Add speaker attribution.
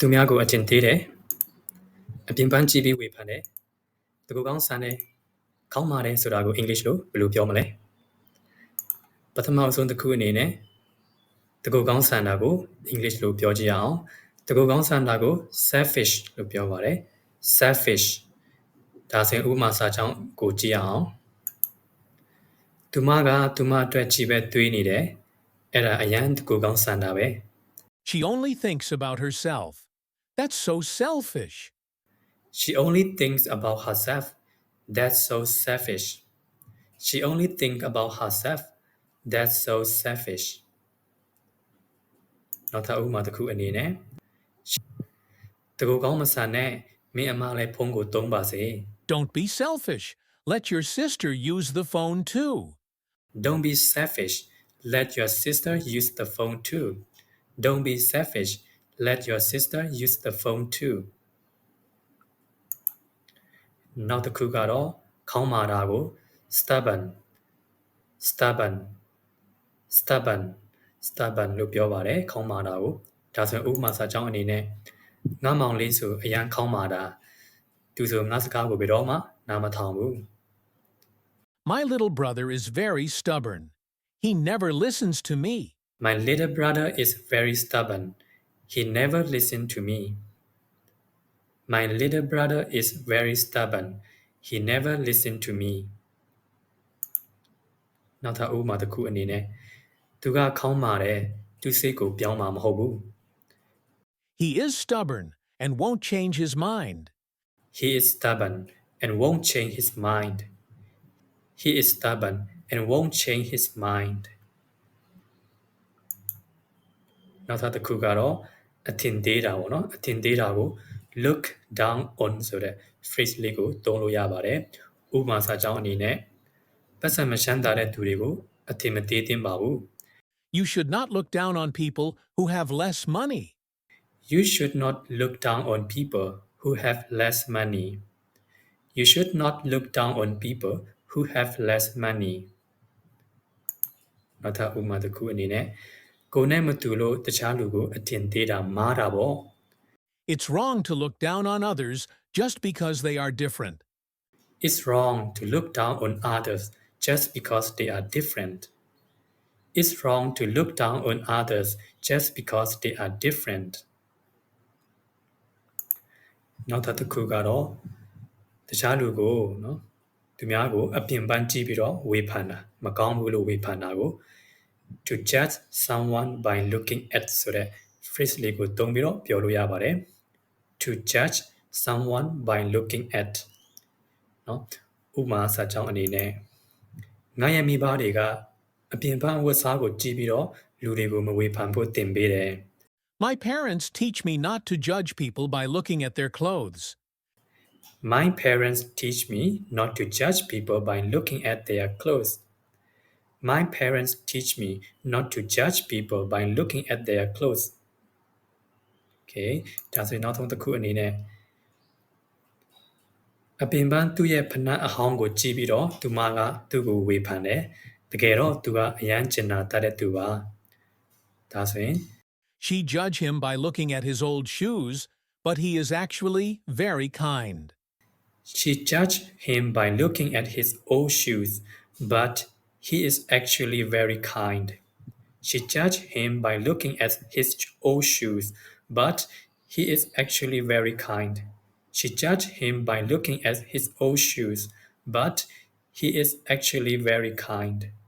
Speaker 1: သူများကိုအထင်သေးတယ်အပြင်ပန်းကြည့်ပြီးဝေဖန်တယ်တကူကောင်းဆန်တယ်ခေါင်းမာတယ်ဆိုတာကိုအင်္ဂလိပ်လိုဘယ်လိုပြောမလဲပထမအဆုံးတစ်ခုအနေနဲ့တကူကောင်းဆန်တာကိုအင်္ဂလိပ်လိုပြောကြည့်အောင်တကူကောင်းဆန်တာကို selfish လို့ပြောပါတယ် selfish ဒါဆိုရင်ဥပမာစာကြောင်းကိုကြည့်အောင်သူမကသူမအတွက်ကြည့်ပဲတွေးနေတယ်အဲ့ဒါအရန်တကူကောင်းဆန်တာပဲ
Speaker 2: She only thinks about herself. That's so selfish.
Speaker 1: She only thinks about herself. That's so selfish. She only thinks about herself. That's so selfish. နောက်ထပ်ဥပမာတစ်ခုအနေနဲ့တကူကောင်းမဆန်နဲ့မင်းအမလည်းဖုန်းကိုသုံးပါစေ
Speaker 2: Don't be selfish. Let your sister use the phone too.
Speaker 1: Don't be selfish. Let your sister use the phone too. Don't be selfish. Let your sister use the phone too. နောက်တစ်ခုကတော့ခေါင်းမာတာကို stubborn လို့ပြောပါတယ်ခေါင်းမာတာကိုဒါဆိုရင်ဥပမာစာကြောင်းအနေနဲ့ငါမောင်လေးဆိုအရန်ခေါင်းမာတာသူဆိုငါစကားကိုဘယ်တော့မှနားမထောင်ဘူး
Speaker 2: My little brother is very stubborn. He never listens to me.
Speaker 1: My little brother is very stubborn. He never listens to me. My little brother is very stubborn. He never listens to me. နောက်ထပ်ဥပမာတစ်ခုအနေနဲ့သူကခေါင်းမာတယ်သူစိတ်ကိုပြောင်းမှာမဟုတ်ဘူး
Speaker 2: He is stubborn and won't change his mind.
Speaker 1: He is stubborn and won't change his mind. He is stubborn and won't change his mind. နောက်ထပ်တစ်ခုကတော့အထင်သေးတာပေါ့နော်အထင်သေးတာကို look down on ဆိုတဲ့ phrase လေးကိုသုံးလို့ရပါတယ်ဥပမာစာကြောင်းအနေနဲ့ပတ်စံမရှမ်းသာတဲ့သူတွေကိုအထင်မသေးသင့်ပါဘူး
Speaker 2: You should not look down on people who have less money.
Speaker 1: You should not look down on people who have less money. You should not look down on people who have less money. နောက်ထပ်ဥပမာတစ်ခုအနေနဲ့ကိုယ်နဲ့မတူလို့တခြားလူကိုအထင်သေးတာမားတာပေါ့
Speaker 2: It's wrong to look down on others just because they are different.
Speaker 1: It's wrong to look down on others just because they are different. It's wrong to look down on others just because they are different. နောက်ထပ်တစ်ခုကတော့တခြားလူကိုနော်သူများကိုအပြင်ပန်းကြည့်ပြီးတော့ဝေဖန်တာမကောင်းဘူးလို့ဝေဖန်တာကို to judge someone by looking at ဆိုတဲ့ phrase လေးကိုသုံးပြီးတော့ပြောလို့ရပါတယ် to judge someone by looking at နော်ဥပမာစာကြောင်းအနေနဲ့ငါရဲ့မိဘတွေကအပြင်ပန်းဝတ်စားကိုကြည့်ပြီးတော့လူတွေကိုမဝေဖန်ဖို့သင်ပေးတယ်
Speaker 2: My parents teach me not to judge people by looking at their clothes.
Speaker 1: My parents teach me not to judge people by looking at their clothes. My parents teach me not to judge people by looking at their clothes. Okay, ဒါဆိုရင်နောက်ဆုံးတစ်ခုအနေနဲ့အပြင်ပန်းသူ့ရဲ့ဖနက်အဟောင်းကိုကြည့်ပြီးတော့သူမကသူ့ကိုဝေဖန်တယ်တကယ်တော့သူကအရန်ကျင်နာတတ်တဲ့သူပါဒါဆိုရင်
Speaker 2: She judged him by looking at his old shoes, but he is actually very kind.
Speaker 1: She judged him by looking at his old shoes, but he is actually very kind. She judged him by looking at his old shoes, but he is actually very kind. She judged him by looking at his old shoes, but he is actually very kind.